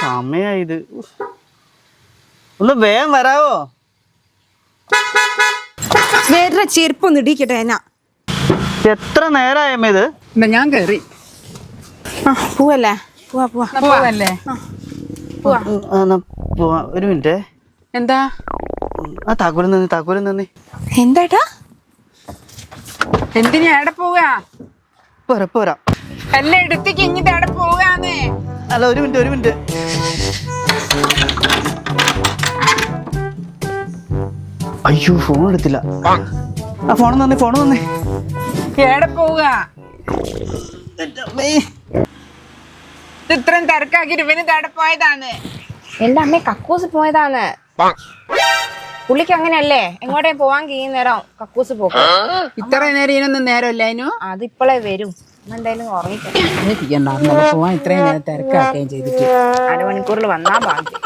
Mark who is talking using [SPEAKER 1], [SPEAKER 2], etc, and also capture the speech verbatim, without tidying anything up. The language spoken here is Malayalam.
[SPEAKER 1] സമയായത്. ഒന്ന് വേഗം വരാവോ?
[SPEAKER 2] വേറെ ചെരുപ്പൊന്ന് ഇടിക്കട്ടെ എന്നാ.
[SPEAKER 1] എത്ര നേരമായമ്മ ഇത്?
[SPEAKER 3] ഞാൻ കേറി.
[SPEAKER 2] ആ പോവല്ലേ? പോവാ പോവാ
[SPEAKER 3] പോവല്ലേ?
[SPEAKER 2] പോവാ.
[SPEAKER 1] പോവാ. ഒരു മിനിറ്റ്.
[SPEAKER 3] എന്താ?
[SPEAKER 1] ആ താക്കോലും നന്ദി, താക്കോലും നന്ദി.
[SPEAKER 2] എന്താട്ടാ?
[SPEAKER 3] എന്തിനാ എവിടെ പോവാ?
[SPEAKER 1] പോരാ പോരാ.
[SPEAKER 3] എല്ലാം എടുത്തേക്ക് ഇങ്ങിട്ട് എവിടെ പോവാന്ന്?
[SPEAKER 1] അല്ല ഒരു മിനിറ്റ് ഒരു മിനിറ്റ്. അയ്യോ ഫോൺ എടുത്തില്ല. ആ ഫോൺ നന്ദി, ഫോൺ നന്ദി.
[SPEAKER 3] എവിടെ പോവാ? ഇത്രയും തിരക്കാക്കിട്ട് ഇവന് എവിടെ പോയതാണ്?
[SPEAKER 4] എന്റെ അമ്മ കക്കൂസ് പോയതാണ്. പുള്ളിക്ക് അങ്ങനെയല്ലേ, എങ്ങോട്ടേ പോവാൻ കഴിയുന്നേരം കക്കൂസ് പോകും.
[SPEAKER 3] ഇത്ര നേരം ഇതിനൊന്നും നേരമില്ല അതിനു.
[SPEAKER 4] അതിപ്പോളേ വരും. എന്തായാലും ഉറങ്ങിക്കോ.
[SPEAKER 3] പോവാൻ ഇത്രയും നേരം തിരക്കാക്കുകയും ചെയ്തിട്ട്
[SPEAKER 4] അരമണിക്കൂറിൽ വന്നാ ഭാഗ്യം.